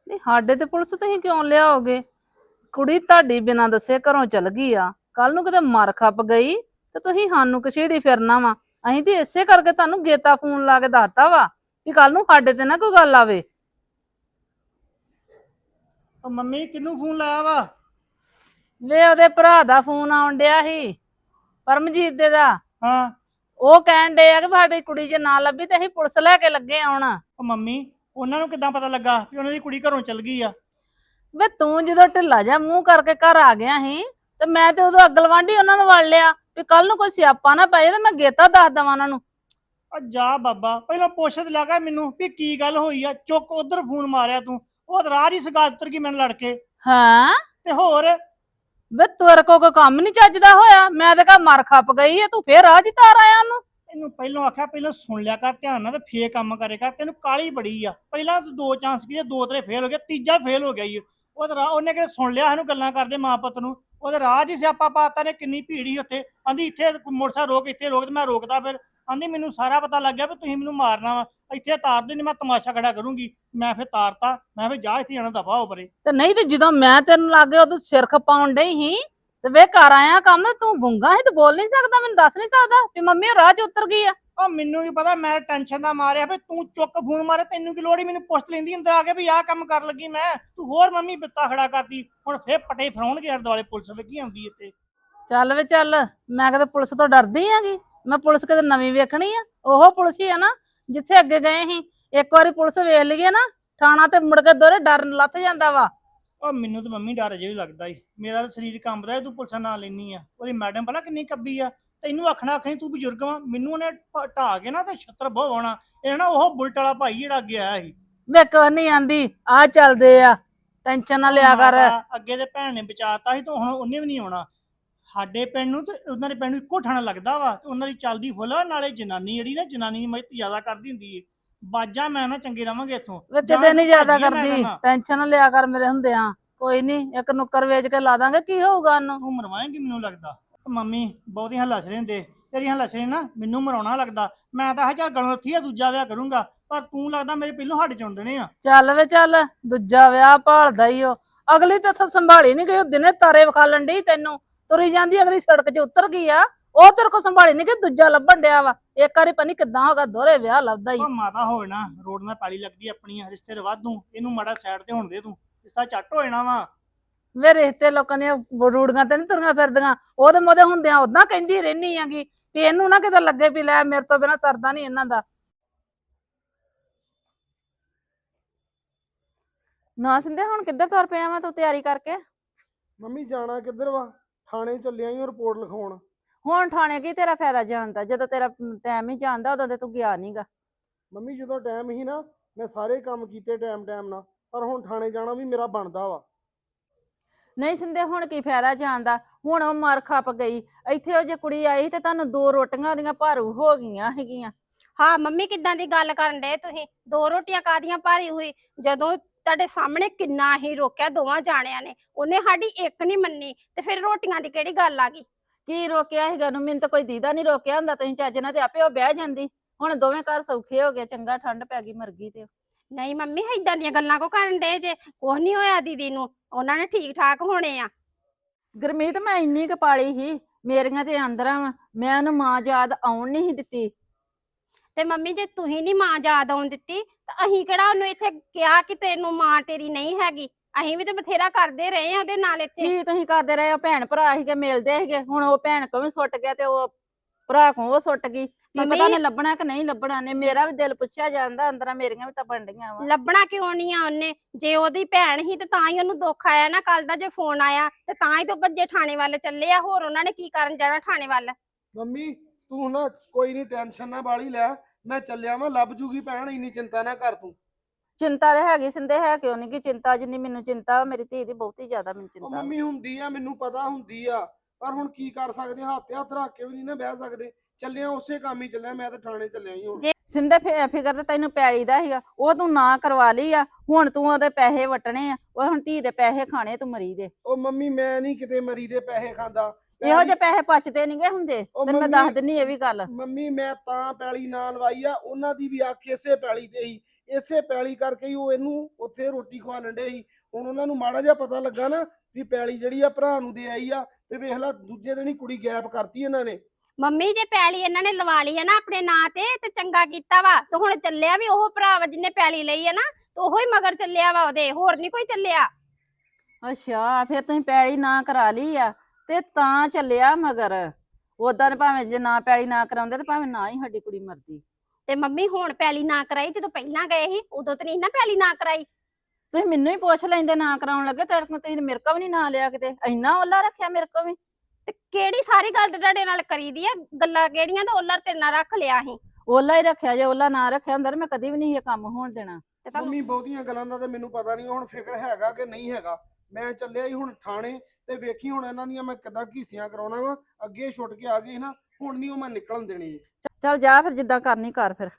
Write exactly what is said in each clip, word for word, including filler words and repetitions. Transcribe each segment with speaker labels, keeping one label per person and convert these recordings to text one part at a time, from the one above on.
Speaker 1: ਨਹੀਂ ਸਾਡੇ ਤੇ ਪੁਲਿਸ ਤੁਸੀਂ ਕਿਉਂ ਲਿਆਓਗੇ? ਕੁੜੀ ਤੁਹਾਡੀ ਬਿਨਾਂ ਦੱਸੇ ਘਰੋਂ ਚਲ ਗਈ ਆ, ਕੱਲ ਨੂੰ ਕਿਤੇ ਮਰ ਖੱਪ ਗਈ ਤੇ ਤੁਸੀਂ ਸਾਨੂੰ ਕਛੇੜੀ ਫਿਰਨਾ ਵਾ। ਅਸੀਂ ਤੇ ਇਸੇ ਕਰਕੇ ਤੁਹਾਨੂੰ ਗੇਤਾ ਫੋਨ ਲਾ ਕੇ ਦੱਸਤਾ ਵਾ ਕਿ ਕੱਲ ਨੂੰ ਸਾਡੇ ਤੇ ਨਾ ਕੋਈ ਗੱਲ ਆਵੇ।
Speaker 2: ਉਹ ਮੰਮੀ ਕਿਹਨੂੰ ਫੋਨ ਲਾਇਆ ਵਾ?
Speaker 1: ਵੇ ਉਹਦੇ ਭਰਾ ਦਾ ਫੋਨ ਆਉਣ ਡਿਆ ਸੀ, ਪਰਮਜੀਤ ਦੇ ਦਾ।
Speaker 2: ਹਾਂ।
Speaker 1: ਉਹ ਕਹਿਣ ਡੇ ਆ ਕਿ ਸਾਡੀ ਕੁੜੀ ਜੇ ਨਾ ਲੱਭੀ ਤੇ ਅਸੀਂ ਪੁਲਿਸ ਲੈ ਕੇ ਲੱਗੇ ਆਉਣ।
Speaker 2: ਉਹ ਮੰਮੀ ਉਹਨਾਂ ਨੂੰ ਕਿੱਦਾਂ ਪਤਾ ਲੱਗਾ ਕਿ ਉਹਨਾਂ ਦੀ ਕੁੜੀ ਘਰੋਂ ਚਲ ਗਈ ਆ?
Speaker 1: ਵੇ ਤੂੰ ਜਦੋਂ ਢਿੱਲਾ ਜਾ ਮੂੰਹ ਕਰਕੇ ਘਰ ਆ ਗਿਆ ਸੀ ਤੇ ਮੈਂ ਤੇ ਉਦੋਂ ਅਗਲਵਾਂਢੀ ਉਹਨਾਂ ਨੂੰ ਵੜ ਲਿਆ ਵੀ ਕੱਲ ਨੂੰ ਕੋਈ ਸਿਆਪਾ ਨਾ ਪਏ ਤੇ ਮੈਂ ਗੇਤਾ ਦੱਸ ਦਵਾਂ ਉਹਨਾਂ ਨੂੰ।
Speaker 2: ਆ ਜਾ ਬਾਬਾ, ਪਹਿਲਾਂ ਪੁੱਛ ਤੇ ਲੱਗਾ ਮੈਨੂੰ ਵੀ ਕੀ ਗੱਲ ਹੋਈ ਆ। ਚੁੱਕ ਉਧਰ ਫੋਨ ਮਾਰਿਆ ਤੂੰ, ਉਹ ਤਾਂ ਰਾਹ ਹੀ ਸਗਾ ਉਤਰ ਗਈ ਮੈਨੂੰ ਲੜ ਕੇ।
Speaker 1: ਹਾਂ
Speaker 2: ਤੇ ਹੋਰ
Speaker 1: ਵੇ ਤੇਰੇ ਕੋ ਕੋਈ ਕੰਮ ਨਹੀਂ ਚੱਜਦਾ ਹੋਇਆ? ਮੈਂ ਤੇ ਕਹਾ ਮਰ ਖੱਪ ਗਈ ਐ, ਤੂੰ ਫੇਰ ਰਾਹ ਚ ਤਾਰ ਆਇਆ ਉਹਨੂੰ।
Speaker 2: ਇਹਨੂੰ ਪਹਿਲਾਂ ਆਖਿਆ ਪਹਿਲਾਂ ਸੁਣ ਲਿਆ ਕਰ ਧਿਆਨ ਨਾਲ ਤੇ ਫੇਰ ਕੰਮ ਕਰੇ ਕਰ। ਤੈਨੂੰ ਕਾਲੀ ਬੜੀ ਆ। ਪਹਿਲਾਂ ਤੂੰ ਦੋ ਚਾਂਸ ਕੀਤੇ, ਦੋ ਤੇਰੇ ਫੇਲ ਹੋ ਗਏ, ਤੀਜਾ ਫੇਲ ਹੋ ਗਿਆ ਈ। ਉਹ ਤਾਂ ਰਾਹ ਉਹਨੇ ਕਿਤੇ ਸੁਣ ਲਿਆ ਇਹਨੂੰ ਗੱਲਾਂ ਕਰਦੇ ਮਾਂ ਪੁੱਤ ਨੂੰ। ਉਹਦੇ ਰਾਹ 'ਚ ਹੀ ਸਿਆਪਾ ਪਾਤਾ ਨੇ। ਕਿੰਨੀ ਭੀੜ ਸੀ ਉੱਥੇ। ਆਂਦੀ ਇੱਥੇ ਮੋਟਰਸਾਈਕਲ ਰੋਕ, ਇੱਥੇ ਰੋਕ। ਤੇ ਮੈਂ ਰੋਕਦਾ, ਫਿਰ ਆਂਦੀ ਮੈਨੂੰ ਸਾਰਾ ਪਤਾ ਲੱਗ ਗਿਆ ਵੀ ਤੁਸੀਂ ਮੈਨੂੰ ਮਾਰਨਾ ਵਾ, ਇੱਥੇ ਤਾਰ ਦੇ ਨਹੀਂ, ਮੈਂ ਤਮਾਸ਼ਾ ਖੜਾ ਕਰੂੰਗੀ। ਮੈਂ ਫਿਰ ਤਾਰਤਾ, ਮੈਂ ਫਿਰ ਜਾ ਇੱਥੇ ਜਾਣਾ ਦਫਾ ਹੋ ਪਰੇ।
Speaker 1: ਤੇ ਨਹੀਂ ਤੇ ਜਦੋਂ ਮੈਂ ਤੈਨੂੰ ਲੱਗੇ ਉਦੋਂ ਸਿਰ ਖਪਾਉਣ ਡਈ ਸੀ ਤੇ ਵੇ ਕਰ ਆਇਆ ਕੰਮ। ਤੂੰ ਗੁੰਗਾ ਸੀ ਤੇ ਬੋਲ ਨਹੀਂ ਸਕਦਾ? ਮੈਨੂੰ ਦੱਸ ਨਹੀਂ ਸਕਦਾ ਵੀ ਮੰਮੀ ਉਹ ਰਾਹ 'ਚ ਉਤਰ ਗਈ ਆ?
Speaker 2: ਉਹ ਮੈਨੂੰ ਵੀ ਪਤਾ, ਮੈਂ ਟੈਨਸ਼ਨ ਦਾ ਮਾਰਿਆ ਵੀ ਤੂੰ ਚੁੱਕ ਫੋਨ ਮਾਰੇ। ਤੈਨੂੰ ਕੀ ਲੋੜ ਹੀ ਮੈਨੂੰ ਪੁੱਛ ਲੈਂਦੀ ਅੰਦਰ ਆ ਕੇ ਵੀ ਆਹ ਕੰਮ ਕਰ ਲੱਗੀ ਮੈਂ। ਤੂੰ ਹੋਰ ਮੰਮੀ ਬਿੱਤਾ ਖੜਾ ਕਰਦੀ। ਹੁਣ ਫੇਰ ਪਟੇ ਫਰਾਉਣਗੇ ਅਰ ਦੁਆਲੇ ਪੁਲਿਸ ਲੱਗੀ ਆਉਂਦੀ ਇੱਥੇ।
Speaker 1: ਚੱਲ ਵੇ ਚੱਲ, ਮੈਂ ਕਦੇ ਪੁਲਿਸ ਤੋਂ ਡਰਦੀ ਆਂਗੀ? ਮੈਂ ਪੁਲਿਸ ਕਦੇ ਨਵੀਂ ਵੇਖਣੀ ਆ? ਉਹ ਪੁਲਿਸ ਹੀ ਆ ਨਾ ਜਿੱਥੇ ਅੱਗੇ ਗਏ ਸੀ। ਇੱਕ ਵਾਰੀ ਪੁਲਿਸ ਵੇਖ ਲਈਏ ਨਾ ਥਾਣਾ ਤੇ ਮੁੜ ਕੇ ਦੋਰੇ ਡਰ ਲੱਥ ਜਾਂਦਾ ਵਾ।
Speaker 2: ਉਹ ਮੈਨੂੰ ਤਾਂ ਮੰਮੀ ਡਰ ਅਜੇ ਵੀ ਲੱਗਦਾ ਈ। ਮੇਰਾ ਤਾਂ ਸਰੀਰ ਕੰਬਦਾ। ਤੂੰ ਪੁਲਿਸ ਨਾਂ ਲੈਣੀ ਆ। ਉਹਦੀ ਮੈਡਮ ਭਲਾ ਕਿੰਨੀ ਕੱਬੀ ਆ। ਤੈਨੂੰ ਆਖਣਾ ਆਖਣੀ ਤੂੰ ਬਜ਼ੁਰਗ ਵਾ। ਮੈਨੂੰ ਉਹਨੇ ਢਾ ਕੇ ਨਾ ਤੇ ਛੱਤਰ ਬਹੁਤ ਆਉਣਾ। ਇਹ ਨਾ ਉਹ ਬੁਲਟ ਵਾਲਾ ਭਾਈ ਜਿਹੜਾ ਅੱਗੇ ਆਇਆ ਸੀ।
Speaker 1: ਵੇ ਕੋਈ ਨਹੀਂ ਆਂਦੀ, ਆ ਚੱਲਦੇ ਆ, ਟੈਨਸ਼ਨ ਨਾ ਲਿਆ ਕਰ।
Speaker 2: ਅੱਗੇ ਤੇ ਭੈਣ ਨੇ ਬਚਾਤਾ ਸੀ ਤੇ ਹੁਣ ਉਹਨੇ ਵੀ ਨਹੀਂ ਆਉਣਾ। ਸਾਡੇ ਪਿੰਡ ਨੂੰ ਤੇ ਉਹਨਾਂ ਦੇ ਪਿੰਡ ਨੂੰ ਇੱਕੋ ਥਾਣਾ ਲੱਗਦਾ ਵਾ ਤੇ ਉਹਨਾਂ ਦੀ ਚੱਲਦੀ ਫੁੱਲ ਆ। ਨਾਲੇ ਜਨਾਨੀ ਜਿਹੜੀ ਨਾ ਜਨਾਨੀ ਦੀ ਮਦਦ ਜ਼ਿਆਦਾ ਕਰਦੀ ਹੁੰਦੀ ਏ। ਬਾਜਾਂ ਮੈਂ ਨਾ ਚੰਗੇ ਰਵਾਂਗੇ ਇੱਥੋਂ।
Speaker 1: ਵੇ ਕਿਤੇ ਨਹੀਂ ਜ਼ਿਆਦਾ ਕਰਦੀ, ਟੈਨਸ਼ਨ ਨਾ ਲਿਆ ਕਰ ਮੇਰੇ ਹੁੰਦਿਆਂ। ਕੋਈ ਨਹੀਂ, ਇੱਕ ਨੁੱਕਰ ਵੇਚ ਕੇ ਲਾ ਦਾਂਗੇ, ਕੀ ਹੋਊਗਾ ਉਹਨੂੰ।
Speaker 2: ਤੂੰ ਮਰਵਾਏਂਗੀ ਮੈਨੂੰ ਲੱਗਦਾ। ਮੰਮੀ ਬਹੁਤੀਆਂ ਹੱਲਾਸ ਰਹਿੰਦੇ ਤੇਰੀਆਂ ਹੱਲਾਸ ਨਾ ਮੈਨੂੰ ਮਰਾਉਣਾ ਲੱਗਦਾ। ਮੈਂ ਤਾਂ ਹਜਾ ਗਲੋਂ ਉੱਥੀ ਆ ਦੂਜਾ ਵਿਆਹ ਕਰੂੰਗਾ, ਪਰ ਤੂੰ ਲੱਗਦਾ ਮੇਰੇ ਪਹਿਲੋਂ ਹੱਡ ਚੁਣ ਦੇਣੇ ਆ।
Speaker 1: ਚੱਲ ਵੇ ਚੱਲ, ਦੂਜਾ ਵਿਆਹ ਭਾਲਦਾ ਈ ਉਹ। ਅਗਲੀ ਤੇ ਇੱਥੋਂ ਸੰਭਾਲੀ ਨਹੀਂ ਗਈ, ਦਿਨੇ ਤਾਰੇ ਵਿਖਾਲਣ ਡਈ ਤੈਨੂੰ। ਤੁਰੀ ਜਾਂਦੀ ਅਗਲੀ ਸੜਕ 'ਚ ਉਤਰ ਗਈ ਆ, ਉਹ ਤੇਰੇ ਕੋ ਸੰਭਾਲੀ ਨਹੀਂ ਗਈ, ਦੂਜਾ ਲੱਭਣ ਡਿਆ ਵਾ। ਇੱਕ ਵਾਰੀ ਪਤਾ ਨੀ ਕਿੱਦਾਂ ਹੋਗਾ, ਦੋਹਰੇ ਵਿਆਹ ਲੱਭਦਾ ਈ।
Speaker 2: ਮਾਤਾ ਹੋਏ ਨਾ ਰੋਡ ਨਾਲ ਪੈਲੀ ਲੱਗਦੀ ਆਪਣੀ ਰਿਸ਼ਤੇ ਰਵਾਦੂ। ਇਹਨੂੰ ਮਾੜਾ ਸਾਈਡ ਤੇ ਹੋਣ ਦੇ, ਤੂੰ ਰਿਸ਼ਤਾ ਝੱਟ ਹੋ ਜਾਣਾ ਵਾ।
Speaker 1: ਵੇ ਰਿਸ਼ਤੇ ਲੋਕਾਂ ਦੀਆਂ ਰੂੜੀਆਂ ਤੇ ਨੀ ਤੁਰੀਆਂ ਫਿਰਦੀਆਂ। ਉਹਦੇ ਮੋਦੇ ਹੁੰਦਿਆਂ ਉਦਾਂ ਕਹਿੰਦੀ ਰਹਿਨੀ ਆਂਗੀ ਵੀ ਇਹਨੂੰ ਨਾ ਕਿਤੇ ਲੱਗੇ ਵੀ ਲੈ ਮੇਰੇ ਤੋਂ ਬਿਨਾਂ ਸਰਦਾ ਨਹੀਂ ਇਹਨਾਂ ਦਾ।
Speaker 3: ਨਾ ਸਿੰਦੇ ਹੁਣ ਕਿੱਧਰ ਤੁਰ ਪਿਆ ਮੈਂ ਤੂੰ ਤਿਆਰੀ ਕਰਕੇ?
Speaker 4: ਮੰਮੀ ਜਾਣਾ ਕਿੱਧਰ ਵਾ? ਥਾਣੇ ਚੱਲਿਆ ਈ ਰਿਪੋਰਟ ਲਿਖਾਉਣ।
Speaker 3: ਹੁਣ ਥਾਣੇ ਕੀ ਤੇਰਾ ਫਾਇਦਾ ਜਾਣ ਦਾ? ਜਦੋਂ ਤੇਰਾ ਟਾਈਮ ਹੀ ਜਾਂਦਾ ਉਦੋਂ ਤੇ ਤੂੰ ਗਿਆ ਨਹੀਂਗਾ।
Speaker 4: ਮੰਮੀ ਜਦੋਂ ਟਾਈਮ ਹੀ ਨਾ ਮੈਂ ਸਾਰੇ ਕੰਮ ਕੀਤੇ ਟਾਈਮ ਟਾਈਮ ਨਾਲ, ਪਰ ਹੁਣ ਥਾਣੇ ਜਾਣਾ ਵੀ ਮੇਰਾ ਬਣਦਾ ਵਾ।
Speaker 3: ਨਹੀਂ ਸਿੰਦੇ ਹੁਣ ਕੀ ਫਾਇਦਾ ਜਾਣ ਦਾ? ਹੁਣ ਉਹ ਮਰ ਖੱਪ ਗਈ। ਇੱਥੇ ਉਹ ਜੇ ਕੁੜੀ ਆਈ ਤੇ ਤੁਹਾਨੂੰ ਦੋ ਰੋਟੀਆਂ ਉਹਦੀਆਂ ਭਾਰੂ ਹੋ ਗਈਆਂ ਹੈਗੀਆਂ।
Speaker 5: ਹਾਂ ਮੰਮੀ ਕਿੱਦਾਂ ਦੀ ਗੱਲ ਕਰਨ ਡਏ ਤੁਸੀਂ? ਦੋ ਰੋਟੀਆਂ ਕਾਦੀਆਂ ਭਾਰੀ ਹੋਈ? ਜਦੋਂ ਤੁਹਾਡੇ ਸਾਹਮਣੇ ਕਿੰਨਾ ਹੀ ਰੋਕਿਆ ਦੋਵਾਂ ਜਾਣਿਆਂ ਨੇ, ਉਹਨੇ ਸਾਡੀ ਇੱਕ ਨਹੀਂ ਮੰਨੀ ਤੇ ਫਿਰ ਰੋਟੀਆਂ ਦੀ ਕਿਹੜੀ ਗੱਲ ਆ ਗਈ?
Speaker 3: ਕੀ ਰੋਕਿਆ ਹੈਗਾ ਨੂੰ? ਮੈਨੂੰ ਤਾਂ ਕੋਈ ਦੀਦਾ ਨਹੀਂ ਰੋਕਿਆ ਹੁੰਦਾ। ਤੁਸੀਂ ਚੱਜ ਨਾਲ ਤੇ ਆਪੇ ਉਹ ਬਹਿ ਜਾਂਦੀ। ਹੁਣ ਦੋਵੇਂ ਘਰ ਸੌਖੇ ਹੋ ਗਏ, ਚੰਗਾ ਠੰਡ ਪੈ ਗਈ ਮਰ ਗਈ ਤੇ।
Speaker 5: ਨਹੀਂ ਮੰਮੀ ਏਦਾਂ ਦੀਆਂ ਗੱਲਾਂ ਕੋ ਕਰਨ ਡਏ ਜੇ? ਕੁਛ ਨਹੀਂ ਹੋਇਆ ਦੀਦੀ ਨੂੰ, ਉਹਨਾਂ ਨੇ ਠੀਕ ਠਾਕ ਹੋਣੇ ਆ।
Speaker 3: ਗੁਰਮੀਤ ਮੈਂ ਇੰਨੀ ਕੁ ਪਾਲੀ ਸੀ, ਮੇਰੀਆਂ ਤੇ ਆਂਦਰਾਂ ਵਾ, ਮੈਂ ਉਹਨੂੰ ਮਾਂ ਯਾਦ ਆਉਣ ਨਹੀਂ ਦਿੱਤੀ।
Speaker 5: ਤੇ ਮੰਮੀ ਜੇ ਤੁਸੀਂ ਨਹੀਂ ਮਾਂ ਯਾਦ ਆਉਣ ਦਿੱਤੀ ਤਾਂ ਅਸੀਂ ਕਿਹੜਾ ਉਹਨੂੰ ਇੱਥੇ ਕਿਹਾ ਕਿ ਤੈਨੂੰ ਮਾਂ ਤੇਰੀ ਨਹੀਂ ਹੈਗੀ? ਅਸੀਂ ਵੀ ਤੇ ਬਥੇਰਾ ਕਰਦੇ ਰਹੇ ਆ ਉਹਦੇ ਨਾਲ ਇੱਥੇ।
Speaker 3: ਕੀ ਤੁਸੀਂ ਕਰਦੇ ਰਹੇ ਹੋ? ਭੈਣ ਭਰਾ ਸੀਗੇ, ਮਿਲਦੇ ਸੀਗੇ। ਹੁਣ ਉਹ ਭੈਣ ਕੋ ਵੀ ਸੁੱਟ ਗਿਆ ਤੇ ਉਹ ਭਰਾ ਕੋ ਉਹ ਸੁੱਟ ਗਈ। ਕੀ ਪਤਾ ਨੇ ਲੱਭਣਾ ਕਿ ਨਹੀਂ ਲੱਭਣਾ ਨੇ? ਮੇਰਾ ਵੀ ਦਿਲ ਪੁੱਛਿਆ ਜਾਂਦਾ, ਅੰਦਰਾਂ ਮੇਰੀਆਂ ਵੀ ਤਾਂ ਬਣਡੀਆਂ ਵਾ।
Speaker 5: ਲੱਭਣਾ ਕਿਉਂ ਨਹੀਂ ਆ ਉਹਨੇ? ਜੇ ਉਹਦੀ ਭੈਣ ਹੀ ਤੇ ਤਾਂ ਹੀ ਉਹਨੂੰ ਦੁੱਖ ਆਇਆ ਨਾ ਕੱਲ ਦਾ। ਜੇ ਫੋਨ ਆਇਆ ਤੇ ਤਾਂ ਹੀ ਤੋਂ ਭੱਜੇ ਥਾਣੇ ਵੱਲ ਚੱਲੇ ਆ। ਹੋਰ ਉਹਨਾਂ ਨੇ ਕੀ ਕਰਨ ਜਾਣਾ ਥਾਣੇ ਵੱਲ?
Speaker 4: ਮੰਮੀ ਤੂੰ ਨਾ ਕੋਈ ਨਹੀਂ ਟੈਨਸ਼ਨ ਨਾ ਬਾਲੀ ਲੈ, ਮੈਂ ਚੱਲਿਆ ਵਾਂ, ਲੱਭ ਜੂਗੀ ਭੈਣ, ਇੰਨੀ ਚਿੰਤਾ ਨਾ ਕਰ ਤੂੰ।
Speaker 3: ਚਿੰਤਾ ਤੇ ਹੈਗੀ ਸਿੰਦੇ, ਹੈ ਕਿਉਂ ਨਹੀਂ? ਕਿ ਚਿੰਤਾ ਜਿੰਨੀ ਮੈਨੂੰ ਚਿੰਤਾ ਮੇਰੀ ਧੀ ਦੀ ਬਹੁਤੀ ਜ਼ਿਆਦਾ ਮੈਨੂੰ
Speaker 4: ਉਹ
Speaker 3: ਚਿੰਤਾ।
Speaker 4: ਮੰਮੀ ਹੁੰਦੀ ਆ, ਮੈਨੂੰ ਪਤਾ ਹੁੰਦੀ ਆ, ਪਰ ਹੁਣ ਕੀ ਕਰ ਸਕਦੇ? ਹੱਥ ਹੱਥ ਰੱਖ ਕੇ ਵੀ ਨਹੀਂ ਨਾ ਬਹਿ ਸਕਦੇ। ਚੱਲਿਆ ਉਸੇ ਕੰਮ ਹੀ ਚੱਲਿਆ, ਮੈਂ ਤਾਂ ਥਾਣੇ ਚੱਲਿਆ ਹੀ ਹੁਣ।
Speaker 3: ਸਿੰਦੇ ਫਿਕਰ ਤਾਂ ਤੈਨੂੰ ਪੈਲੀ ਦਾ ਸੀਗਾ, ਉਹ ਤੂੰ ਨਾ ਕਰਵਾ ਲਈ ਆ। ਹੁਣ ਤੂੰ ਉਹਦੇ ਪੈਸੇ ਵਟਣੇ ਆ, ਉਹ ਹੁਣ ਧੀ ਦੇ ਪੈਸੇ ਖਾਣੇ ਤੂੰ ਮਰੀ ਦੇ।
Speaker 4: ਉਹ ਮੰਮੀ ਮੈਂ ਨਹੀਂ ਕਿਤੇ ਮਰੀ ਦੇ ਪੈਸੇ ਖਾਂਦਾ।
Speaker 3: ਇਹੋ ਜਿਹੇ ਪੈਸੇ ਪਚਦੇ ਨਹੀਂਗੇ ਹੁੰਦੇ, ਤੈਨੂੰ ਮੈਂ ਦੱਸ ਦਿੰਨੀ ਇਹ ਵੀ ਗੱਲ।
Speaker 4: ਮੰਮੀ ਮੈਂ ਤਾਂ ਪੈਲੀ ਨਾ ਲਵਾਈ ਆ, ਉਹਨਾਂ ਦੀ ਵੀ ਅੱਖ ਇਸੇ ਪੈਲੀ ਤੇ ਹੀ। ਇਸੇ ਪੈਲੀ ਕਰਕੇ ਹੀ ਉਹ ਇਹਨੂੰ ਉੱਥੇ ਰੋਟੀ ਖਵਾ ਲੈਂਦੇ ਸੀ। ਹੁਣ ਉਹਨਾਂ ਨੂੰ ਮਾੜਾ ਜਿਹਾ ਪਤਾ ਲੱਗਾ ਨਾ ਵੀ ਪੈਲੀ ਜਿਹੜੀ ਆ ਭਰਾ ਨੂੰ ਦੇ ਆਈ ਆ, ਤੇ ਵੇਖ ਲਾ ਦੂਜੇ ਦਿਨ ਹੀ ਕੁੜੀ ਗੈਪ ਕਰਤੀ ਇਹਨਾਂ ਨੇ।
Speaker 5: ਮੰਮੀ ਜੇ ਪੈਲੀ ਇਹਨਾਂ ਨੇ ਲਵਾ ਲਈ ਹੈ ਨਾ ਆਪਣੇ ਨਾਂ ਤੇ ਤੇ ਚੰਗਾ ਕੀਤਾ ਵਾ। ਤੇ ਹੁਣ ਚੱਲਿਆ ਵੀ ਉਹ ਭਰਾ ਵਾ ਜਿਹਨੇ ਪੈਲੀ ਲਈ ਹੈ ਨਾ, ਤੇ ਉਹੋ ਹੀ ਮਗਰ ਚੱਲਿਆ ਵਾ ਉਹਦੇ, ਹੋਰ ਨਹੀਂ ਕੋਈ ਚੱਲਿਆ।
Speaker 3: ਅੱਛਾ ਫਿਰ ਤੁਸੀਂ ਪੈਲੀ ਨਾ ਕਰਾ ਲਈ ਆ ਤੇ ਤਾਂ ਚੱਲਿਆ ਮਗਰ। ਉਦਾਂ ਭਾਵੇਂ ਜੇ ਨਾ ਪੈਲੀ ਨਾ ਕਰਾਉਂਦੇ ਤੇ ਭਾਵੇਂ ਨਾ ਹੀ ਸਾਡੀ ਕੁੜੀ ਮਰਦੀ।
Speaker 5: ਤੇ ਮੰਮੀ ਹੁਣ ਪੈਲੀ ਨਾ ਕਰਾਈ, ਜਦੋਂ ਪਹਿਲਾਂ ਗਏ ਸੀ ਉਦੋਂ ਤੇ ਨਹੀਂ ਨਾ ਪੈਲੀ ਨਾ ਕਰਾਈ।
Speaker 3: ਤੁਸੀਂ ਮੈਨੂੰ ਹੀ ਪੁੱਛ ਲੈਂਦੇ ਨਾ ਕਰਾਉਣ ਲੱਗੇ, ਤੇਰੇ ਕੋਲ ਤੁਸੀਂ ਮੇਰੇ ਕੋਲ ਵੀ ਨਹੀਂ ਨਾ ਲਿਆ ਕਿਤੇ, ਇੰਨਾ ਓਲਾ ਰੱਖਿਆ ਮੇਰੇ ਕੋਲ ਵੀ।
Speaker 5: ਤੇ ਕਿਹੜੀ ਸਾਰੀ ਗੱਲ ਤੇ ਤੁਹਾਡੇ ਨਾਲ ਕਰੀਦੀ ਆ, ਗੱਲਾਂ ਕਿਹੜੀਆਂ ਤੇ ਉਹਨਾਂ ਤੇ ਨਾ ਰੱਖ ਲਿਆ ਸੀ।
Speaker 3: ਓਲਾ ਹੀ ਰੱਖਿਆ, ਜੇ ਓਲਾ ਨਾ ਰੱਖਿਆ ਹੁੰਦਾ ਮੈਂ ਕਦੀ ਵੀ ਨਹੀਂ ਇਹ ਕੰਮ ਹੋਣ ਦੇਣਾ।
Speaker 5: ਤੇ ਤੁਹਾਨੂੰ
Speaker 4: ਮੰਮੀ ਬਹੁਤੀਆਂ ਗੱਲਾਂ ਦਾ ਤੇ ਮੈਨੂੰ ਪਤਾ ਨਹੀਂ ਹੁਣ ਫਿਕਰ ਹੈਗਾ ਕਿ ਨਹੀਂ ਹੈਗਾ। ਮੈਂ ਚੱਲਿਆ ਹੀ ਹੁਣ ਥਾਣੇ, ਤੇ ਵੇਖੀ ਹੁਣ ਇਹਨਾਂ ਦੀਆਂ ਮੈਂ ਕਿੱਦਾਂ ਘੀਸੀਆਂ ਕਰਾਉਣਾ ਵਾ। ਅੱਗੇ ਛੁੱਟ ਕੇ ਆ ਗਏ ਨਾ, ਹੁਣ ਨਹੀਂ ਉਹ ਮੈਂ ਨਿਕਲਣ ਦੇਣੀ।
Speaker 3: ਚੱਲ ਜਾ ਫਿਰ, ਜਿੱਦਾਂ ਕਰਨੀ ਕਰ ਫਿਰ।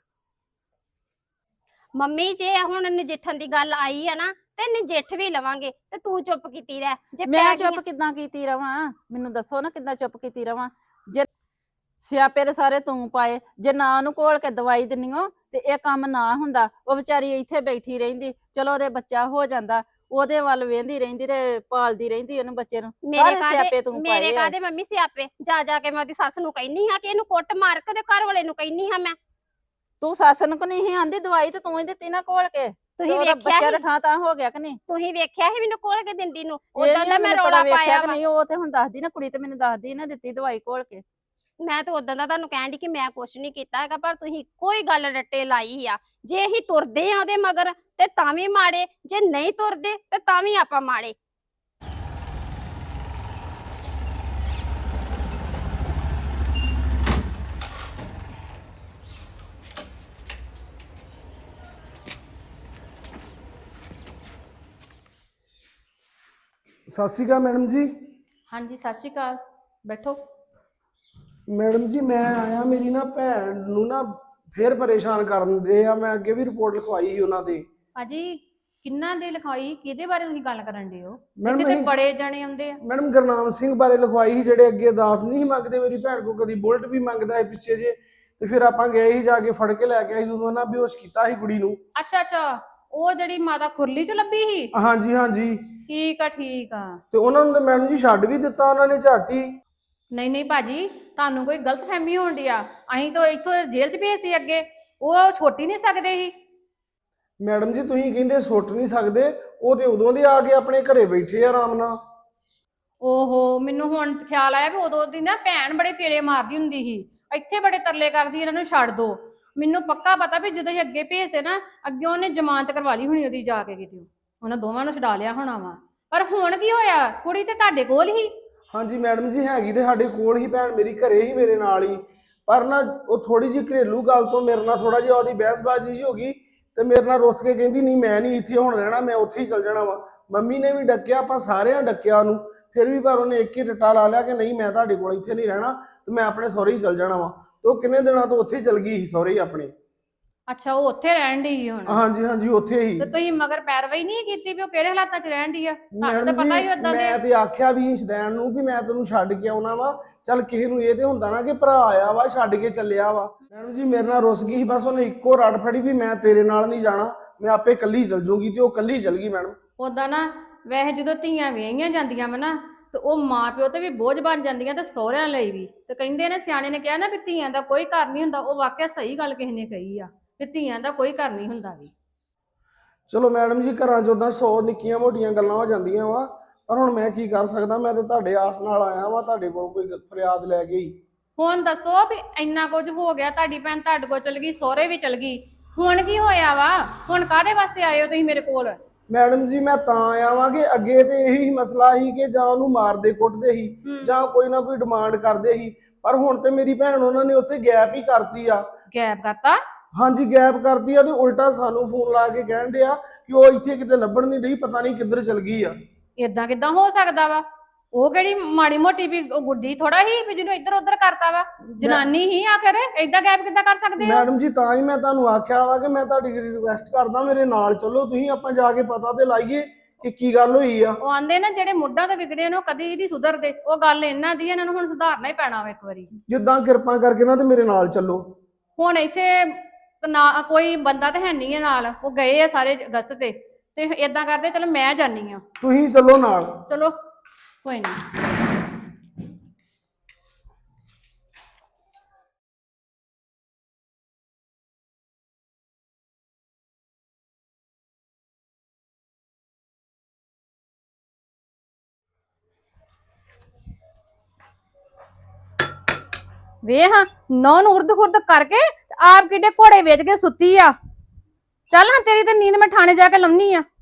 Speaker 5: ਮੰਮੀ ਜੇ ਹੁਣ ਨਜਿੱਠਣ ਦੀ ਗੱਲ ਆਈ ਆ ਨਾ ਤੇ ਨਜਿੱਠ ਵੀ ਲਵਾਂਗੇ, ਤੇ ਤੂੰ ਚੁੱਪ ਕੀਤੀ ਰਹਿ। ਜੇ
Speaker 3: ਮੈਂ
Speaker 5: ਪੈ
Speaker 3: ਚੁੱਪ
Speaker 5: ਗਈਆਂ-
Speaker 3: ਕਿੱਦਾਂ ਕੀਤੀ ਰਵਾਂ, ਮੈਨੂੰ ਦੱਸੋ ਨਾ ਕਿੱਦਾਂ ਚੁੱਪ ਕੀਤੀ ਰਵਾਂ। ਜੇ ਸਿਆਪੇ ਦੇ ਸਾਰੇ ਤੂੰ ਪਾਏ, ਜੇ ਨਾ ਉਹਨੂੰ ਘੋਲ ਕੇ ਦਵਾਈ ਦਿੰਨੀ ਓ ਤੇ ਇਹ ਕੰਮ ਨਾ ਹੁੰਦਾ। ਉਹ ਵਿਚਾਰੀ ਇੱਥੇ ਬੈਠੀ ਰਹਿੰਦੀ, ਚਲੋ ਉਹਦੇ ਬੱਚਾ ਹੋ ਜਾਂਦਾ, ਉਹਦੇ ਵੱਲ ਵੇਂਦੀ ਰਹਿੰਦੀ ਤੇ ਪਾਲਦੀ ਰਹਿੰਦੀ ਉਹਨੂੰ ਬੱਚੇ ਨੂੰ।
Speaker 5: ਮੇਰੇ
Speaker 3: ਸਾਰੇ ਸਿਆਪੇ
Speaker 5: ਕਾਦੇ
Speaker 3: ਤੂੰ
Speaker 5: ਮੇਰੇ
Speaker 3: ਪਾਏ ਆ।
Speaker 5: ਕਾਦੇ ਮੰਮੀ ਸਿਆਪੇ ਜਾ ਜਾ ਕੇ ਮੈਂ ਉਹਦੀ ਸੱਸ ਨੂੰ ਕਹਿਨੀ ਹਾਂ ਕਿ ਇਹਨੂੰ ਕੁੱਟ ਮਾਰ ਕੇ ਤੇ ਘਰ ਵਾਲੇ ਨੂੰ ਕਹਿਨੀ ਹਾਂ ਮੈਂ।
Speaker 3: ਤੂੰ ਸੱਸ ਨੂੰ ਕੋ ਨਹੀਂ ਆਂਦੀ ਦਵਾਈ, ਤੇ ਤੂੰ ਹੀ ਦਿੱਤੀ ਨਾ ਘੋਲ ਕੇ।
Speaker 5: ਤੁਸੀਂ
Speaker 3: ਉਹਦਾ
Speaker 5: ਵੇਖਿਆ
Speaker 3: ਬੱਚਾ
Speaker 5: ਸੀ
Speaker 3: ਰਠਾ ਤਾਂ ਹੋ ਗਿਆ ਕਿ ਨਹੀਂ?
Speaker 5: ਤੁਸੀਂ ਵੇਖਿਆ ਸੀ ਮੈਨੂੰ ਕੋਲ ਕੇ ਦਿੰਦੀ ਨੂੰ,
Speaker 3: ਇਹ
Speaker 5: ਉਦਾਂ
Speaker 3: ਨੀ
Speaker 5: ਦਾ ਮੈਂ
Speaker 3: ਮੈਨੂੰ
Speaker 5: ਰੌਲਾ
Speaker 3: ਪਤਾ ਵੇਖਿਆ
Speaker 5: ਪਾਇਆ
Speaker 3: ਕਿ
Speaker 5: ਵਾ।
Speaker 3: ਨਹੀਂ, ਉਹ ਤੇ ਹੁਣ ਦੱਸਦੀ ਨਾ ਕੁੜੀ, ਤੇ ਮੈਨੂੰ ਦੱਸਦੀ ਨਾ ਦਿੱਤੀ ਦਵਾਈ ਘੋਲ ਕੇ।
Speaker 5: ਮੈਂ ਤਾਂ ਉਦਾਂ ਦਾ ਤੁਹਾਨੂੰ ਕਹਿਣ ਦੀ ਕਿ ਮੈਂ ਕੁਛ ਨਹੀਂ ਕੀਤਾ ਹੈਗਾ, ਪਰ ਤੁਸੀਂ ਕੋਈ ਗੱਲ ਰੱਟੇ ਲਾਈ ਆ। ਜੇ ਅਸੀਂ ਤੁਰਦੇ ਆ ਉਹਦੇ ਮਗਰ ਤੇ ਤਾਂ ਵੀ ਮਾੜੇ, ਜੇ ਨਹੀਂ ਤੁਰਦੇ ਤੇ ਤਾਂ ਵੀ ਆਪਾਂ ਮਾੜੇ।
Speaker 4: ਸਤਿ ਸ਼੍ਰੀ ਅਕਾਲ ਮੈਡਮ ਜੀ।
Speaker 1: ਹਾਂਜੀ ਸਤਿ ਸ਼੍ਰੀ ਅਕਾਲ, ਬੈਠੋ।
Speaker 4: ਮੈਡਮ ਜੀ ਮੈਂ ਆਇਆ, ਮੇਰੀ ਨਾ ਭੈਣ ਨੂੰ ਨਾ ਫੇਰ ਪਰੇਸ਼ਾਨ ਕਰਨ ਦੇ ਆ। ਮੈਂ ਅੱਗੇ ਵੀ ਰਿਪੋਰਟ ਲਿਖਵਾਈ ਸੀ ਉਹਨਾਂ ਦੇ।
Speaker 6: ਭਾਜੀ ਕਿੰਨਾ ਦੇ ਲਿਖਾਈ, ਕਿਹਦੇ ਬਾਰੇ ਤੁਸੀਂ ਗੱਲ ਕਰਨ ਦੇ ਹੋ?
Speaker 4: ਮੈਡਮ
Speaker 6: ਕਿਤੇ
Speaker 4: ਅਸੀਂ-
Speaker 6: ਬੜੇ ਜਣੇ ਆਉਂਦੇ ਆ।
Speaker 4: ਮੈਡਮ ਗੁਰਨਾਮ ਸਿੰਘ ਬਾਰੇ ਲਿਖਵਾਈ ਸੀ, ਜਿਹੜੇ ਅੱਗੇ ਦਾਸ ਨਹੀਂ ਸੀ ਮੰਗਦੇ ਮੇਰੀ ਭੈਣ ਕੋ, ਕਦੀ ਬੁਲਟ ਵੀ ਮੰਗਦਾ ਹੈ ਪਿੱਛੇ ਜੇ। ਤੇ ਫਿਰ ਆਪਾਂ ਗਏ ਸੀ, ਜਾ ਕੇ ਫੜ ਕੇ ਲੈ ਕੇ ਆਏ, ਜਦੋਂ ਨਾ ਬੇਹੋਸ਼ ਕੀਤਾ ਸੀ ਕੁੜੀ ਨੂੰ।
Speaker 6: ਅੱਛਾ ਅੱਛਾ, ਉਹ ਜਿਹੜੀ ਮਾਤਾ ਖੁਰਲੀ ਚ ਲੱਭੀ ਸੀ।
Speaker 4: ਹਾਂਜੀ ਹਾਂਜੀ।
Speaker 6: ਠੀਕ ਆ ਠੀਕ ਆ।
Speaker 4: ਤੇ ਉਹਨਾਂ ਨੂੰ ਤਾਂ ਮੈਡਮ ਜੀ ਛੱਡ ਵੀ ਦਿੱਤਾ ਉਹਨਾਂ ਨੇ ਝਾਟੀ।
Speaker 6: ਨਹੀਂ ਨਹੀਂ ਭਾਜੀ, ਤੁਹਾਨੂੰ ਕੋਈ ਗਲਤਫਹਿਮੀ ਹੋਣ ਡਈ ਆ। ਅਸੀਂ ਤਾਂ ਇੱਥੋਂ ਜੇਲ੍ਹ ਚ ਭੇਜਤੀ ਅੱਗੇ, ਉਹ ਛੋਟੀ ਨਹੀਂ ਸਕਦੇ ਸੀ।
Speaker 4: ਮੈਡਮ ਜੀ ਤੁਸੀਂ ਕਹਿੰਦੇ ਸੁੱਟ ਨਹੀਂ ਸਕਦੇ, ਉਹ ਤੇ ਉਦੋਂ ਦੇ ਆ ਕੇ ਆਪਣੇ ਘਰੇ ਬੈਠੇ ਆ ਆਰਾਮ ਨਾਲ।
Speaker 6: ਓਹੋ, ਮੈਨੂੰ ਹੁਣ ਖਿਆਲ ਆਇਆ ਵੀ ਉਦੋਂ ਦੀ ਨਾ ਭੈਣ ਬੜੇ ਫੇਰੇ ਮਾਰਦੀ ਹੁੰਦੀ ਸੀ, ਇੱਥੇ ਬੜੇ ਤਰਲੇ ਕਰਦੀ ਇਹਨਾਂ ਨੂੰ ਛੱਡ ਦੋ। ਮੈਨੂੰ ਪੱਕਾ ਪਤਾ ਵੀ ਜਦੋਂ ਅਸੀਂ ਅੱਗੇ ਭੇਜਦੇ ਨਾ, ਅੱਗੇ ਉਹਨੇ ਜ਼ਮਾਨਤ ਕਰਵਾ ਲਈ ਹੋਣੀ ਉਹਦੀ ਜਾ ਕੇ ਕਿਤੇ, ਉਹਨਾਂ ਦੋਵਾਂ ਨੂੰ ਛਡਾ ਲਿਆ ਹੋਣਾ ਵਾ। ਪਰ ਹੁਣ ਕੀ ਹੋਇਆ, ਕੁੜੀ ਤੇ ਤੁਹਾਡੇ ਕੋਲ ਹੀ।
Speaker 4: ਹਾਂਜੀ ਮੈਡਮ ਜੀ, ਹੈਗੀ ਤੇ ਸਾਡੇ ਕੋਲ ਹੀ ਭੈਣ, ਮੇਰੀ ਘਰੇ ਹੀ ਮੇਰੇ ਨਾਲ ਹੀ। ਪਰ ਨਾ ਉਹ ਥੋੜੀ ਜਿਹੀ ਘਰੇਲੂ ਗੱਲ ਤੋਂ ਮੇਰੇ ਨਾਲ ਥੋੜਾ ਜਿਹਾ ਉਹਦੀ ਬਹਿਸਬਾਜ਼ੀ ਜੀ ਹੋ ਗਈ, ਤੇ ਮੇਰੇ ਨਾਲ ਰੁੱਸ ਕੇ ਕਹਿੰਦੀ ਨਹੀਂ ਮੈਂ ਨਹੀਂ ਇੱਥੇ ਹੁਣ ਰਹਿਣਾ, ਮੈਂ ਉੱਥੇ ਹੀ ਚਲ ਜਾਣਾ ਵਾ। ਮੰਮੀ ਨੇ ਵੀ ਡੱਕਿਆ, ਆਪਾਂ ਸਾਰਿਆਂ ਡੱਕਿਆ ਉਹਨੂੰ, ਫਿਰ ਵੀ ਪਰ ਉਹਨੇ ਇੱਕ ਹੀ ਰੱਟਾ ਲਾ ਲਿਆ ਕਿ ਨਹੀਂ ਮੈਂ ਤੁਹਾਡੇ ਕੋਲ ਇੱਥੇ ਨਹੀਂ ਰਹਿਣਾ, ਤੇ ਮੈਂ ਆਪਣੇ ਸਹੁਰੇ ਹੀ ਚਲ ਜਾਣਾ ਵਾ। ਤੇ ਉਹ ਕਿੰਨੇ ਦਿਨਾਂ ਤੋਂ ਉੱਥੇ ਹੀ ਚਲ ਗਈ ਸੀ, ਸਹੁਰੇ ਹੀ ਆਪਣੇ।
Speaker 6: ਅੱਛਾ, ਉਹ ਉੱਥੇ ਰਹਿਣ ਦੀ ਹੁਣ?
Speaker 4: ਹਾਂਜੀ ਹਾਂਜੀ, ਉੱਥੇ ਹੀ।
Speaker 6: ਤੇ ਤੁਸੀਂ ਮਗਰ ਪੈਰਵਾਈ ਨਹੀਂ ਕੀਤੀ ਵੀ ਉਹ ਕਿਹੜੇ ਹਾਲਾਤਾਂ 'ਚ ਰਹਿਣ ਦੀ ਆ? ਤੁਹਾਨੂੰ ਤਾਂ
Speaker 4: ਮੈਡਮ
Speaker 6: ਪਤਾ ਹੀ
Speaker 4: ਜੀ,
Speaker 6: ਉਦਾਂ ਦੇ।
Speaker 4: ਮੈਂ ਤੇ ਆਖਿਆ ਵੀ ਸ਼ਦੈਨ ਨੂੰ ਵੀ ਮੈਂ ਤੈਨੂੰ ਛੱਡ ਕੇ ਆਉਣਾ ਵਾ, ਚੱਲ ਕਿਸੇ ਨੂੰ ਇਹ ਤੇ ਹੁੰਦਾ ਨਾ ਕਿ ਭਰਾ ਆਇਆ ਵਾ ਛੱਡ ਕੇ ਚੱਲਿਆ ਵਾ। ਮੈਡਮ ਜੀ ਮੇਰੇ ਨਾਲ ਰੁੱਸ ਗਈ ਸੀ, ਬਸ ਉਹਨੇ ਇੱਕੋ ਰੜ ਫੜੀ ਵੀ ਮੈਂ ਤੇਰੇ ਨਾਲ ਨਹੀਂ ਜਾਣਾ, ਮੈਂ ਆਪੇ ਕੱਲੀ ਚਲ ਜੂਗੀ, ਤੇ ਉਹ ਕੱਲੀ ਚਲ ਗਈ ਮੈਡਮ।
Speaker 6: ਉਦਾਂ ਨਾ ਵੈਸੇ ਜਦੋਂ ਧੀਆਂ ਵਿਆਹੀਆਂ ਜਾਂਦੀਆਂ ਵਾ ਨਾ, ਤੇ ਉਹ ਮਾਂ ਪਿਓ ਤੇ ਵੀ ਬੋਝ ਬਣ ਜਾਂਦੀਆਂ, ਤੇ ਸਹੁਰਿਆਂ ਲਈ ਵੀ। ਤੇ ਕਹਿੰਦੇ ਨੇ, ਸਿਆਣੇ ਨੇ ਕਿਹਾ ਨਾ ਵੀ ਧੀਆਂ ਦਾ ਕੋਈ ਘਰ ਨਹੀਂ ਹੁੰਦਾ, ਉਹ ਵਾਕਿਆ ਸਹੀ ਗੱਲ ਕਿਸੇ ਨੇ ਕਹੀ ਆ ਵੀ ਧੀਆਂ ਦਾ ਕੋਈ ਘਰ ਨਹੀਂ ਹੁੰਦਾ ਵੀ।
Speaker 4: ਚਲੋ ਮੈਡਮ ਜੀ, ਘਰਾਂ 'ਚ ਉਦਾਂ ਸੌ ਨਿੱਕੀਆਂ ਮੋਟੀਆਂ ਗੱਲਾਂ ਹੋ ਜਾਂਦੀਆਂ ਵਾ, ਪਰ ਹੁਣ ਮੈਂ ਕੀ ਕਰ ਸਕਦਾ, ਮੈਂ ਤੇ ਤੁਹਾਡੇ ਆਸ ਨਾਲ ਆਇਆ ਵਾ, ਤੁਹਾਡੇ ਕੋਲ ਕੋਈ ਫਰਿਆਦ ਲੈ ਕੇ ਹੀ।
Speaker 6: ਹੁਣ ਦੱਸੋ ਵੀ ਇੰਨਾ ਕੁਝ ਹੋ ਗਿਆ, ਤੁਹਾਡੀ ਭੈਣ ਤੁਹਾਡੇ ਕੋਲ ਚਲ ਗਈ, ਸਹੁਰੇ ਵੀ ਚਲ ਗਈ, ਹੁਣ ਕੀ ਹੋਇਆ ਵਾ? ਹੁਣ ਕਾਹਦੇ ਵਾਸਤੇ ਆਏ ਹੋ ਤੁਸੀਂ ਮੇਰੇ ਕੋਲ?
Speaker 4: ਮੈਡਮ ਜੀ ਮੈਂ ਤਾਂ ਆਇਆ ਵਾਂ ਕਿ ਅੱਗੇ ਤੇ ਇਹੀ ਮਸਲਾ ਸੀ ਕਿ ਜਾਂ ਉਹਨੂੰ ਮਾਰਦੇ ਕੁੱਟਦੇ ਸੀ, ਜਾਂ ਕੋਈ ਨਾ ਕੋਈ ਡਿਮਾਂਡ ਕਰਦੇ ਸੀ, ਪਰ ਹੁਣ ਤੇ ਮੇਰੀ ਭੈਣ ਉਹਨਾਂ ਨੇ ਉੱਥੇ ਗੈਪ ਹੀ ਕਰਤੀ ਆ।
Speaker 6: ਗੈਪ ਕਰਤਾ?
Speaker 4: ਹਾਂਜੀ ਗੈਪ ਕਰਤੀ ਆ, ਤੇ ਉਲਟਾ ਸਾਨੂੰ ਫੋਨ ਲਾ ਕੇ ਕਹਿਣ ਡਿਆ ਕਿ ਉਹ ਇੱਥੇ ਕਿਤੇ ਲੱਭਣ ਨਹੀਂ ਰਹੀ, ਪਤਾ ਨਹੀਂ ਕਿੱਧਰ ਚਲ ਗਈ ਆ।
Speaker 6: ਇਦਾਂ ਕਿਦਾਂ ਹੋ ਸਕਦਾ ਵਾ? ਉਹ ਕਿਹੜੀ ਮਾੜੀ ਮੋਟੀ ਵੀ ਉਹ ਗੁੱਡੀ ਥੋੜਾ ਹੀ ਵੀ ਜਿਹਨੂੰ ਇੱਧਰ ਉੱਧਰ ਕਰਤਾ ਵਾ, ਜਨਾਨੀ ਹੀ ਆਖਰ ਏਦਾਂ ਗੈਪ ਕਿੱਦਾਂ ਕਰ ਸਕਦੇ ਹੋ?
Speaker 4: ਮੈਡਮ ਜੀ ਤਾਂ ਹੀ ਮੈਂ ਤੁਹਾਨੂੰ ਆਖਿਆ ਵਾ ਕਿ ਮੈਂ ਤੁਹਾਡੀ ਰਿਕੁਐਸਟ ਕਰਦਾ ਮੇਰੇ ਨਾਲ ਚੱਲੋ ਤੁਸੀਂ, ਆਪਾਂ ਜਾ ਕੇ ਪਤਾ ਤੇ ਲਾਈਏ ਕਿ ਕੀ ਗੱਲ ਹੋਈ ਆ।
Speaker 6: ਉਹ ਆਂਦੇ ਨਾ ਜਿਹੜੇ ਮੁੱਢਾਂ ਤੋਂ ਵਿਗੜੇ ਨੇ ਉਹ ਕਦੀ ਨਹੀਂ ਸੁਧਰਦੇ, ਉਹ ਗੱਲ ਇਹਨਾਂ ਦੀ, ਇਹਨਾਂ ਨੂੰ ਹੁਣ ਸੁਧਾਰਨਾ ਹੀ ਪੈਣਾ ਵਾ ਇੱਕ ਵਾਰੀ।
Speaker 4: ਜਿੱਦਾਂ ਕਿਰਪਾ ਕਰਕੇ ਨਾ ਤੇ ਮੇਰੇ ਨਾਲ ਚੱਲੋ।
Speaker 6: ਹੁਣ ਇੱਥੇ ਨਾ ਕੋਈ ਬੰਦਾ ਤੇ ਹੈ ਨਹੀਂ ਹੈ ਨਾਲ, ਉਹ ਗਏ ਆ ਸਾਰੇ ਅਗਸਤ ਤੇ ਤੇ ਇਦਾਂ ਕਰਦੇ ਚਲੋ ਮੈਂ ਜਾਨੀ ਆ।
Speaker 4: ਤੁਸੀਂ ਚੱਲੋ ਨਾਲ।
Speaker 6: ਚਲੋ ਕੋਈ ਨਹੀਂ। ਵੇਖ ਨੌ ਨੂੰ ਉਰਦ ਖੁਰਦ ਕਰਕੇ ਤੇ ਆਪ ਕਿੱਡੇ ਘੋੜੇ ਵੇਚ ਕੇ ਸੁੱਤੀ ਆ। ਚੱਲ ਹਾਂ ਤੇਰੀ ਤੇ ਨੀਂਦ ਮੈਂ ਥਾਣੇ ਜਾ ਕੇ ਲੰਮੀ ਆ।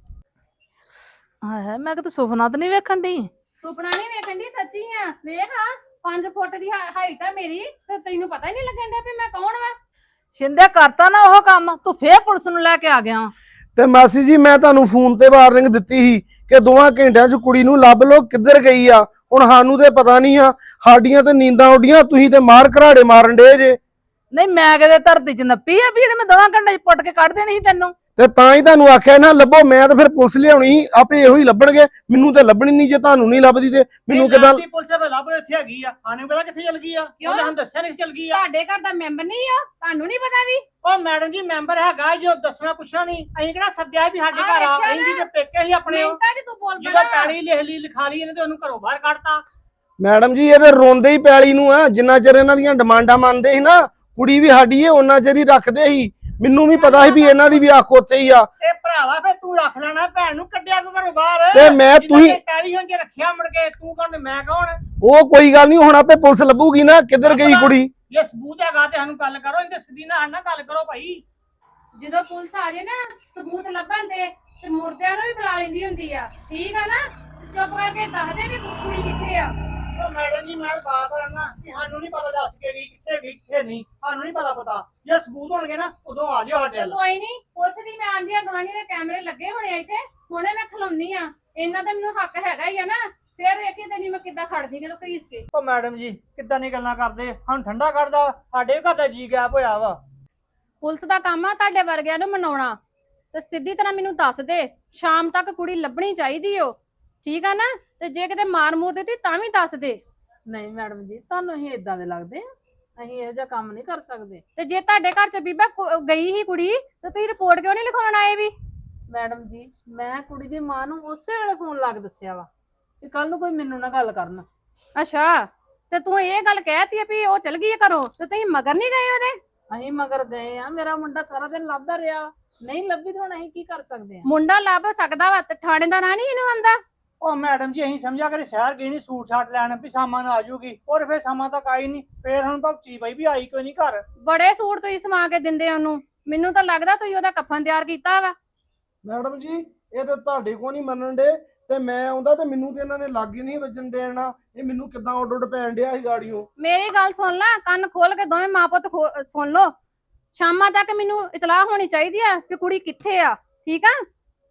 Speaker 1: ਹਾਏ ਮੈਂ ਕਿਤੇ ਸੁਪਨਾ ਤਾਂ ਨਹੀਂ ਵੇਖਣ ਦੀ।
Speaker 6: ਸੁਪਨਾ ਨਹੀਂ ਵੇਖਣ ਦੀ, ਸੱਚੀ ਆ। ਵੇਖ ਹਾਂ ਪੰਜ ਫੁੱਟ ਦੀ ਹਾਈਟ ਆ ਮੇਰੀ ਤੇ ਤੈਨੂੰ ਪਤਾ ਹੀ ਨਹੀਂ ਲੱਗਣ ਡਿਆ ਵੀ ਮੈਂ ਕੌਣ ਵਾ।
Speaker 1: ਸ਼ਿੰਦੇ ਕਰਤਾ ਨਾ ਉਹ ਕੰਮ, ਤੂੰ ਫੇਰ ਪੁਲਿਸ ਨੂੰ ਲੈ ਕੇ ਆ ਗਿਆ ਵਾਂ।
Speaker 4: ਤੇ ਮਾਸੀ ਜੀ ਮੈਂ ਤੁਹਾਨੂੰ ਫੋਨ ਤੇ ਵਾਰਨਿੰਗ ਦਿੱਤੀ ਸੀ ਕਿ ਦੋਵਾਂ ਘੰਟਿਆਂ 'ਚ ਕੁੜੀ ਨੂੰ ਲੱਭ ਲੋ ਕਿੱਧਰ ਗਈ ਆ। ਹੁਣ ਸਾਨੂੰ ਤੇ ਪਤਾ ਨਹੀਂ ਆ, ਸਾਡੀਆਂ ਤੇ ਨੀਂਦਾਂ ਉੱਡੀਆਂ, ਤੁਸੀਂ ਤੇ ਮਾਰ ਘਰਾੜੇ ਮਾਰਨ ਡੇ ਜੇ।
Speaker 1: ਨਹੀਂ ਮੈਂ ਕਿਤੇ ਧਰਤੀ 'ਚ ਨੱਪੀ ਆ ਵੀ ਜਿਹੜੇ ਮੈਂ ਦੋਵਾਂ ਘੰਟੇ 'ਚ ਪੁੱਟ ਕੇ ਕੱਢ ਦੇਣੀ ਸੀ ਤੈਨੂੰ।
Speaker 4: ਤੇ ਤਾਂ ਹੀ ਤੁਹਾਨੂੰ ਆਖਿਆ ਨਾ ਲੱਭੋ, ਮੈਂ ਤਾਂ ਫਿਰ ਪੁਲਿਸ ਲਿਆਉਣੀ ਸੀ, ਆਪੇ ਇਹੋ ਹੀ ਲੱਭਣਗੇ। ਮੈਨੂੰ ਤੇ ਲੱਭਣੀ ਨਹੀਂ, ਜੇ ਤੁਹਾਨੂੰ ਨਹੀਂ ਲੱਭਦੀ ਤੇ ਮੈਨੂੰ ਕਿਦਾਂ।
Speaker 2: ਪੁਲਿਸ ਵੇ ਲੱਭ ਇੱਥੇ ਹੈਗੀ ਆ, ਸਾਨੂੰ ਪਤਾ ਕਿੱਥੇ ਚਲ ਗਈ ਆ, ਉਹਨੇ ਸਾਨੂੰ ਦੱਸਿਆ ਨਹੀਂ ਚਲ ਗਈ ਆ।
Speaker 6: ਤੁਹਾਡੇ ਘਰ ਦਾ ਮੈਂਬਰ ਨਹੀਂ ਆ, ਤੁਹਾਨੂੰ ਨਹੀਂ ਪਤਾ ਵੀ?
Speaker 2: ਉਹ ਮੈਡਮ ਜੀ ਮੈਂਬਰ ਹੈਗਾ, ਜੋ ਦੱਸਣਾ ਪੁੱਛਣਾ ਨਹੀਂ। ਅਸੀਂ ਕਿਹੜਾ ਸੱਦਿਆ ਵੀ ਸਾਡੇ ਘਰ ਆ, ਅਸੀਂ ਜੀ ਤੇ ਪੇਕੇ ਹੀ ਆਪਣੇ।
Speaker 6: ਮਿੰਟਾਂ 'ਚ ਤੂੰ ਬੋਲ
Speaker 2: ਜਦੋਂ ਪੈਲੀ ਲਿਖ ਲਈ ਲਿਖਾ ਲਈ ਇਹਨੇ ਤੇ ਉਹਨੂੰ ਘਰੋਂ ਬਾਹਰ ਕੱਢਤਾ।
Speaker 4: ਮੈਡਮ ਜੀ ਇਹ ਤੇ ਰੋਂਦੇ ਹੀ ਪੈਲੀ ਨੂੰ ਆ, ਜਿੰਨਾ ਚਿਰ ਇਹਨਾਂ ਦੀਆਂ ਡਿਮਾਂਡਾਂ ਮੰਨਦੇ ਸੀ ਨਾ, ਕੁੜੀ ਵੀ ਸਾਡੀ ਏ ਉਹਨਾਂ ਚਿਰ ਹੀ ਰੱਖਦੇ ਸੀ। ਮੈਨੂੰ ਵੀ ਪਤਾ ਸੀ ਵੀ ਇਹਨਾਂ ਦੀ ਵੀ ਅੱਖ ਉੱਥੇ ਹੀ ਆ।
Speaker 2: ਇਹ ਭਰਾਵਾ ਫੇ ਤੂੰ ਰੱਖ ਲੈਣਾ, ਭੈਣ ਨੂੰ ਕੱਢਿਆ ਕਿਉਂ ਘਰੋਂ ਬਾਹਰ?
Speaker 4: ਤੇ ਮੈਂ ਤੁਸੀਂ
Speaker 2: ਪੈਲੀ ਹੁਣ ਜੇ ਰੱਖਿਆ ਮੁੜ ਕੇ ਤੂੰ ਕੌਣ ਤੇ ਮੈਂ ਕੌਣ?
Speaker 4: ਉਹ ਕੋਈ ਗੱਲ ਨਹੀਂ, ਹੁਣ ਆਪੇ ਪੁਲਿਸ ਲੱਭੂਗੀ ਨਾ ਕਿੱਧਰ ਗਈ ਕੁੜੀ।
Speaker 2: ਜੇ ਸਬੂਤ ਹੈਗਾ ਤੇ ਸਾਨੂੰ ਗੱਲ ਕਰੋ, ਇਹਦੇ ਸਿੱਧੀ ਨਾਲ ਨਾਲ ਗੱਲ ਕਰੋ ਭਾਈ।
Speaker 6: ਜਦੋਂ ਪੁਲਿਸ ਆ ਜੇ ਨਾ ਸਬੂਤ ਲੱਭਣ ਤੇ ਤੇ ਮੁਰਦਿਆਂ ਨੂੰ ਵੀ ਬੁਲਾ ਲੈਂਦੀ ਹੁੰਦੀ ਆ, ਠੀਕ ਆ ਨਾ? ਚੁੱਪ ਕਰਕੇ ਦੱਸ ਦੇ ਵੀ ਕੁੜੀ ਕਿੱਥੇ ਆ।
Speaker 2: ਉਹ ਮੈਡਮ ਜੀ ਮੈਂ ਬਾਤ ਕਰਨਾ ਕਿ ਸਾਨੂੰ ਨਹੀਂ ਪਤਾ ਦੱਸ ਕੇ ਗਈ ਕਿੱਥੇ ਗਈ ਕਿੱਥੇ ਨਹੀਂ, ਸਾਨੂੰ ਨਹੀਂ ਪਤਾ ਪਤਾ। ਜੇ ਸਬੂਤ ਹੋਣਗੇ ਨਾ ਉਦੋਂ ਆ ਜਿਓ ਸਾਡੇ ਵੱਲ।
Speaker 6: ਕੋਈ ਨਹੀਂ ਪੁੱਛਦੀ, ਮੈਂ ਆਂਦੀ ਆ ਗਵਾਂਢੀ ਦੇ ਕੈਮਰੇ ਲੱਗੇ ਹੋਣੇ ਆ ਇੱਥੇ, ਹੁਣੇ ਮੈਂ ਖਲਾਉਣੀ ਆ। ਇਹਨਾਂ ਦਾ ਮੈਨੂੰ ਹੱਕ ਹੈਗਾ ਹੀ ਆ ਨਾ, ਫੇਰ ਵੇਖੀ ਤੈਨੂੰ ਮੈਂ ਕਿੱਦਾਂ ਖੜਦੀ ਜਦੋਂ ਘਰੀਸ ਕੇ।
Speaker 2: ਉਹ ਮੈਡਮ ਜੀ ਕਿੱਦਾਂ ਨਹੀਂ ਗੱਲਾਂ ਕਰਦੇ, ਸਾਨੂੰ ਠੰਡਾ ਕੱਢਦਾ। ਸਾਡੇ ਘਰ ਦਾ ਜੀ ਗੈਪ ਹੋਇਆ ਵਾ।
Speaker 6: ਪੁਲਿਸ ਦਾ ਕੰਮ ਆ ਤੁਹਾਡੇ ਵਰਗਿਆਂ ਨੂੰ ਮਨਾਉਣਾ, ਤੇ ਸਿੱਧੀ ਤਰ੍ਹਾਂ ਮੈਨੂੰ ਦੱਸ ਦੇ ਸ਼ਾਮ ਤੱਕ ਕੁੜੀ ਲੱਭਣੀ ਚਾਹੀਦੀ ਓ, ਠੀਕ ਆ ਨਾ? ਤੇ ਜੇ ਕਿਤੇ ਮਾਰ ਮੂਰ ਦਿੱਤੀ ਤਾਂ ਵੀ ਦੱਸ ਦੇ।
Speaker 1: ਨਹੀਂ ਮੈਡਮ ਜੀ ਤੁਹਾਨੂੰ ਅਸੀਂ ਇਦਾਂ ਦੇ ਲੱਗਦੇ ਆ, ਅਸੀਂ ਇਹੋ ਜਿਹਾ ਕੰਮ ਨਹੀਂ ਕਰ ਸਕਦੇ।
Speaker 6: ਤੇ ਜੇ ਤੁਹਾਡੇ ਘਰ ਚ ਬੀਬਾ ਕੁ- ਗਈ ਹੀ ਕੁੜੀ ਤੇ ਤੁਸੀਂ ਰਿਪੋਰਟ ਕਿਉਂ ਨਹੀਂ ਲਿਖਾਉਣ ਆਏ ਵੀ?
Speaker 1: ਮੈਡਮ ਜੀ ਮੈਂ ਕੁੜੀ ਦੀ ਮਾਂ ਨੂੰ ਉਸੇ ਵੇਲੇ ਫੋਨ ਲਾ ਕੇ ਦੱਸਿਆ ਵਾ ਕਿ ਕੱਲ ਨੂੰ ਕੋਈ ਮੈਨੂੰ ਨਾ ਗੱਲ ਕਰਨ।
Speaker 6: ਅੱਛਾ ਤੇ ਤੂੰ ਇਹ ਗੱਲ ਕਹਿਤੀ ਆ ਵੀ ਉਹ ਚਲ ਗਈ ਘਰੋਂ ਤੇ ਤੁਸੀਂ ਮਗਰ ਨਹੀਂ ਗਏ ਉਹਦੇ?
Speaker 1: ਅਸੀਂ ਮਗਰ ਗਏ ਆ, ਮੇਰਾ ਮੁੰਡਾ ਸਾਰਾ ਦਿਨ ਲੱਭਦਾ ਰਿਹਾ, ਨਹੀਂ ਲੱਭੀ ਤੇ ਹੁਣ ਅਸੀਂ ਕੀ ਕਰ ਸਕਦੇ ਆ?
Speaker 6: ਮੁੰਡਾ ਲੱਭ ਸਕਦਾ ਵਾ ਤੇ ਥਾਣੇ ਦਾ ਨਾਂ ਨਹੀਂ ਇਹਨੂੰ ਆਂਦਾ?
Speaker 2: ਉਹ ਮੈਡਮ ਜੀ ਅਸੀਂ ਸਮਝਿਆ ਕਰੇ ਸ਼ਹਿਰ ਗਈ ਨਹੀਂ ਸੂਟ ਸਾਟ ਲੈਣ ਵੀ ਸਾਮਾਨ ਆ ਜਾਊਗੀ, ਔਰ ਫੇਰ ਸਾਮਾਨ ਤੱਕ ਆਈ ਨਹੀਂ। ਫੇਰ ਹੁਣ ਭਗਤੀ ਬਾਈ ਵੀ ਆਈ ਕੋਈ ਨਹੀਂ ਘਰ।
Speaker 6: ਬੜੇ ਸੂਟ ਤੁਸੀਂ ਸਮਾ ਕੇ ਦਿੰਦੇ ਉਹਨੂੰ, ਮੈਨੂੰ ਤਾਂ ਲੱਗਦਾ ਤੁਸੀਂ ਉਹਦਾ ਕਫਨ ਤਿਆਰ ਕੀਤਾ ਵਾ।
Speaker 4: ਮੈਡਮ ਜੀ ਇਹ ਤਾਂ ਤੁਹਾਡੇ ਕੋ ਨਹੀਂ ਮੰਨਣ ਡੇ, ਤੇ ਮੈਂ ਆਉਂਦਾ ਤੇ ਮੈਨੂੰ ਤੇ ਇਹਨਾਂ ਨੇ ਲਾਗੇ ਨਹੀਂ ਵੱਜਣ ਦੇਣਾ। ਇਹ ਮੈਨੂੰ ਕਿੱਦਾਂ ਉੱਡ ਉੱਡ ਪੈਣ ਡਿਆ ਸੀ ਗਾੜੀਆਂ।
Speaker 6: ਮੇਰੀ ਗੱਲ ਸੁਣ ਲੈ, ਕੰਨ ਖੋਲ ਕੇ ਦੋਵੇਂ ਮਾਂ ਪੁੱਤ ਖੋ- ਸੁਣ ਲਓ। ਸ਼ਾਮਾਂ ਤੱਕ ਮੈਨੂੰ ਇਤਲਾਹ ਹੋਣੀ ਚਾਹੀਦੀ ਆ ਕਿ ਕੁੜੀ ਕਿੱਥੇ ਆ, ਠੀਕ ਆ?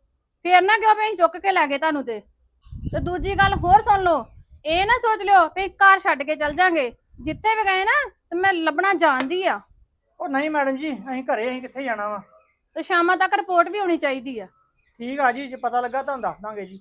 Speaker 6: ਫੇਰ ਨਾ ਕਿਉਂ ਵੀ ਅਸੀਂ ਚੁੱਕ ਕੇ ਲੈ ਗਏ ਤੁਹਾਨੂੰ। ਤੇ ਤੇ ਦੂਜੀ ਗੱਲ ਹੋਰ ਸੁਣ ਲਓ, ਇਹ ਨਾ ਸੋਚ ਲਿਓ ਵੀ ਘਰ ਛੱਡ ਕੇ ਚੱਲ ਜਾਾਂਗੇ। ਜਿੱਥੇ ਵੀ ਗਏ ਨਾ ਤੇ ਮੈਂ ਲੱਭਣਾ ਜਾਣਦੀ ਆ।
Speaker 2: ਉਹ ਨਹੀਂ ਮੈਡਮ ਜੀ ਅਸੀਂ ਘਰੇ, ਅਸੀਂ ਕਿੱਥੇ ਜਾਣਾ ਵਾ।
Speaker 6: ਤੇ ਸ਼ਾਮਾਂ ਤੱਕ ਰਿਪੋਰਟ ਵੀ ਹੋਣੀ ਚਾਹੀਦੀ ਆ।
Speaker 2: ਠੀਕ ਆ ਜੀ, ਜੇ ਪਤਾ ਲੱਗਾ ਤੁਹਾਨੂੰ ਦੱਸ ਦਾਂਗੇ ਜੀ।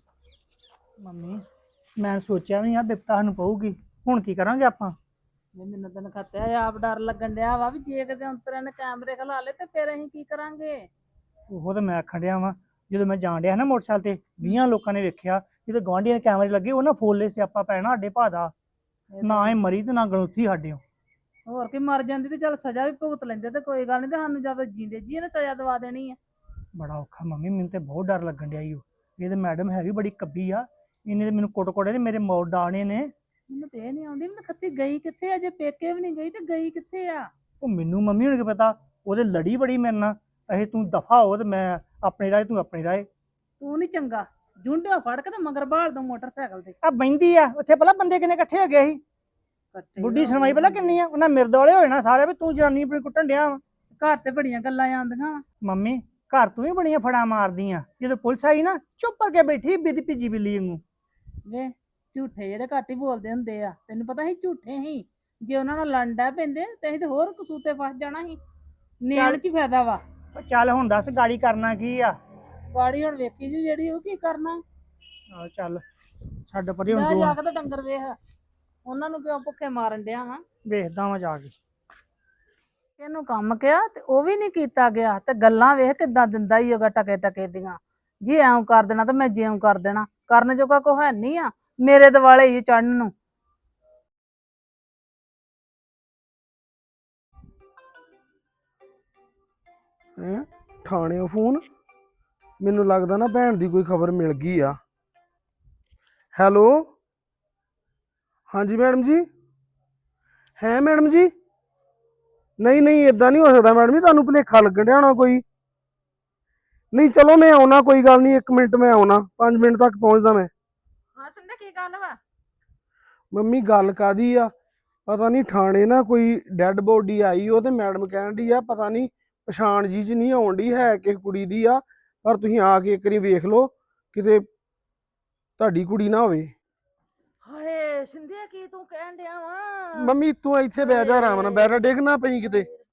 Speaker 2: ਮੰਮੀ ਮੈਂ ਸੋਚਿਆ ਵੀ ਆ ਬਿਪਤਾ ਸਾਨੂੰ ਪਊਗੀ, ਹੁਣ ਕੀ ਕਰਾਂਗੇ ਆਪਾਂ?
Speaker 1: ਨਹੀਂ ਮੈਨੂੰ ਤਾਂ ਖਤਿਆ ਆਪ ਡਰ ਲੱਗਣ ਡਿਆ ਵਾ ਵੀ ਜੇ ਕਿਤੇ ਅੰਤਰੇ ਨੇ ਕੈਮਰੇ ਖਲਾ ਲੇ ਤੇ ਫਿਰ ਅਸੀਂ ਕੀ ਕਰਾਂਗੇ?
Speaker 2: ਉਹ ਤਾਂ ਮੈਂ ਆਖਣ ਡਿਆ ਵਾਂ, ਜਦੋਂ ਮੈਂ ਜਾਣ ਡਿਆ ਨਾ ਮੋਟਰਸਾਈਕਲ ਤੇ ਵੀਹਾਂ ਲੋਕਾਂ ਨੇ ਵੇਖਿਆ, ਜਦੋਂ ਗੁਆਂਢੀਆਂ ਦੇ ਕੈਮਰੇ ਲੱਗੇ ਉਹਨਾਂ ਫੋਲੇ ਸਿਆਪਾ ਪੈਣਾ ਸਾਡੇ ਭਾ ਦਾ। ਨਾ ਇਹ ਮਰੀ ਤੇ ਨਾ ਗਲੂਥੀ ਸਾਡੇ।
Speaker 1: ਹੋਰ ਕੀ ਮਰ ਜਾਂਦੀ ਤੇ ਚੱਲ ਸਜ਼ਾ ਵੀ ਭੁਗਤ ਲੈਂਦੇ ਤੇ ਕੋਈ ਗੱਲ ਨਹੀਂ, ਤੇ ਸਾਨੂੰ ਜਦੋਂ ਜੀਂਦੇ ਜੀ ਨੇ ਸਜ਼ਾ ਦਵਾ ਦੇਣੀ ਆ।
Speaker 2: ਬੜਾ ਔਖਾ ਮੰਮੀ, ਮੈਨੂੰ ਤੇ ਬਹੁਤ ਡਰ ਲੱਗਣ ਡਿਆ ਈ। ਉਹ ਇਹ ਤੇ ਮੈਡਮ ਹੈ ਵੀ ਬੜੀ ਕੱਬੀ ਆ, ਇਹਨੇ ਤੇ ਮੈਨੂੰ ਕੋਟ ਕੋੜੇ ਨੇ ਮੇਰੇ ਮੋੜ ਡਾਣੇ ਨੇ।
Speaker 1: ਮੈਨੂੰ ਤੇ ਇਹ ਨਹੀਂ ਆਉਂਦੀ ਮੈਨੂੰ ਖੱਤੀ ਗਈ ਕਿੱਥੇ ਆ? ਜੇ ਪੇਕੇ ਵੀ ਨਹੀਂ ਗਈ ਤੇ ਗਈ ਕਿੱਥੇ ਆ?
Speaker 2: ਉਹ ਮੈਨੂੰ ਮੰਮੀ ਹੁਣ ਕੀ ਪਤਾ, ਉਹਦੇ ਲੜੀ ਬੜੀ ਮੇਰੇ ਨਾਲ। ਇਹ ਤੂੰ ਦਫਾ ਹੋ ਤੇ ਮੈਂ ਆਪਣੇ ਰਾਏ, ਤੂੰ ਆਪਣੀ ਰਾਏ।
Speaker 1: ਤੂੰ ਨਹੀਂ ਚੰਗਾ, ਜੁੰਡਿਆ ਫੜ ਕੇ ਤੇ ਮਗਰ ਬਾਹਰ ਦੋ ਮੋਟਰਸਾਈਕਲ ਤੇ
Speaker 2: ਆ ਬੈਂਦੀ ਆ ਉੱਥੇ, ਪਹਿਲਾਂ ਬੰਦੇ ਕਿੰਨੇ ਇਕੱਠੇ ਹੋ ਗਏ ਸੀ।
Speaker 1: ਇਕੱਠੇ
Speaker 2: ਬੁੱਢੀ ਸੁਣਵਾਈ ਪਹਿਲਾਂ ਕਿੰਨੀ ਆ, ਉਹਨਾਂ ਮਿਰਦ ਵਾਲੇ ਹੋਏ ਨਾ ਸਾਰੇ ਵੀ ਤੂੰ ਜਨਾਨੀ ਆਪਣੀ ਕੁੱਟਣ ਡਿਆ ਵਾ।
Speaker 1: ਘਰ ਤੇ ਬੜੀਆਂ ਗੱਲਾਂ ਆਉਂਦੀਆਂ ਵਾ।
Speaker 2: ਮੰਮੀ ਘਰ ਤੂੰ ਵੀ ਬੜੀਆਂ ਫੜਾ ਮਾਰਦੀਆਂ, ਜਦੋਂ ਪੁਲਿਸ ਆਈ ਨਾ ਚੁੱਪ ਕਰਕੇ ਬੈਠੀ ਬਿੱਦ ਭਿੱਜੀ ਬਿੱਲੀ ਵਾਂਗੂ।
Speaker 1: ਵੇ ਝੂਠੇ ਜਿਹੜੇ ਘੱਟ ਹੀ ਬੋਲਦੇ ਹੁੰਦੇ ਆ, ਤੈਨੂੰ ਪਤਾ ਸੀ ਝੂਠੇ ਹੀ। ਜੇ ਉਹਨਾਂ ਨਾਲ ਲੰਡਾ ਪੈਂਦੇ ਤੇ ਅਸੀਂ ਤੇ ਹੋਰ ਕਸੂਤੇ ਫਸ ਜਾਣਾ ਸੀ। ਨੇਣ ਚ ਫਾਇਦਾ ਵਾ।
Speaker 2: ਉਹ ਚੱਲ ਹੁਣ ਦੱਸ ਗਾੜੀ ਕਰਨਾ ਕੀ ਆ?
Speaker 1: ਗਾੜੀ ਹੁਣ ਵੇਖੀ ਜੀ ਜਿਹੜੀ ਉਹ ਕੀ ਕਰਨਾ।
Speaker 2: ਆ ਚੱਲ ਛੱਡ ਪਰੇ ਹੁਣ
Speaker 1: ਜਾ
Speaker 2: ਜੋ
Speaker 1: ਜਾ ਕੇ ਤੇ ਡੰਗਰ ਵੇਖ, ਉਹਨਾਂ ਨੂੰ ਕਿਉਂ ਭੁੱਖੇ ਮਾਰਨ ਡਿਆ ਵਾ?
Speaker 2: ਵੇਖਦਾ ਵਾਂ ਜਾ ਕੇ।
Speaker 1: ਇਹਨੂੰ ਕੰਮ ਕਿਹਾ ਤੇ ਉਹ ਵੀ ਨਹੀਂ ਕੀਤਾ ਗਿਆ ਤੇ ਗੱਲਾਂ ਵੇਖ ਕਿੱਦਾਂ ਦਿੰਦਾ ਹੀ ਹੋਗਾ ਟਕੇ ਟਕੇ ਦੀਆਂ। ਜੀ ਐਂ ਕਰ ਦੇਣਾ ਤੇ ਮੈਂ ਜਿਉਂ ਕਰ ਦੇਣਾ, ਕਰਨ ਜੋਗਾ ਕੋ ਹੈ ਨਹੀਂ ਆ ਮੇਰੇ ਦਿਵਾਲੇ ਹੀ ਚੜਨ ਨੂੰ।
Speaker 4: ਹੈਂ ਥਾਣਿਓਂ ਫੋਨ, ਮੈਨੂੰ ਲੱਗਦਾ ਨਾ ਭੈਣ ਦੀ ਕੋਈ ਖਬਰ ਮਿਲ ਗਈ ਆ। ਹੈਲੋ ਹਾਂਜੀ ਮੈਡਮ ਜੀ। ਹੈ ਮੈਡਮ ਜੀ, ਨਹੀਂ ਨਹੀਂ ਇਦਾਂ ਨਹੀਂ ਹੋ ਸਕਦਾ ਮੈਡਮ ਜੀ, ਤੁਹਾਨੂੰ ਭੁਲੇਖਾ ਲੱਗਣ ਡਿਆ ਹੋਣਾ ਕੋਈ। ਨਹੀਂ ਚਲੋ ਮੈਂ ਆਉਣਾ, ਕੋਈ ਗੱਲ ਨਹੀਂ, ਇੱਕ ਮਿੰਟ ਮੈਂ ਆਉਣਾ, ਪੰਜ ਮਿੰਟ ਤੱਕ ਪਹੁੰਚਦਾ ਮੈਂ।
Speaker 3: ਹਾਂ ਸੰਦੇ ਕੀ ਗੱਲ ਵਾ?
Speaker 4: ਮੰਮੀ ਗੱਲ ਕਾਦੀ ਆ, ਪਤਾ ਨਹੀਂ ਥਾਣੇ ਨਾ ਕੋਈ ਡੈੱਡ ਬੋਡੀ ਆਈ, ਉਹ ਤੇ ਮੈਡਮ ਕਹਿਣ ਡਈ ਆ ਪਤਾ ਨਹੀਂ ਪਛਾਣ ਜੀ ਚ ਨਹੀਂ ਆਉਣ ਡਈ, ਹੈ ਕਿਸੇ ਕੁੜੀ ਦੀ ਆ, ਪਰ ਤੁਸੀਂ ਆ ਕੇ ਇੱਕ ਵਾਰੀ ਵੇਖ ਲਓ ਕਿਤੇ ਤੁਹਾਡੀ ਕੁੜੀ ਨਾ ਹੋਵੇ।
Speaker 3: ਹਾਏ ਸਿੰਧਿਆ ਕੀ ਤੂੰ ਕਹਿਣ ਡਿਆ ਵਾ?
Speaker 4: ਮੰਮੀ ਤੂੰ ਇੱਥੇ ਬਹਿ ਜਾ ਆਰਾਮ ਨਾਲ, ਬੈਠਾ ਡਿੱਗ ਨਾ ਪਈ ਕਿਤੇ।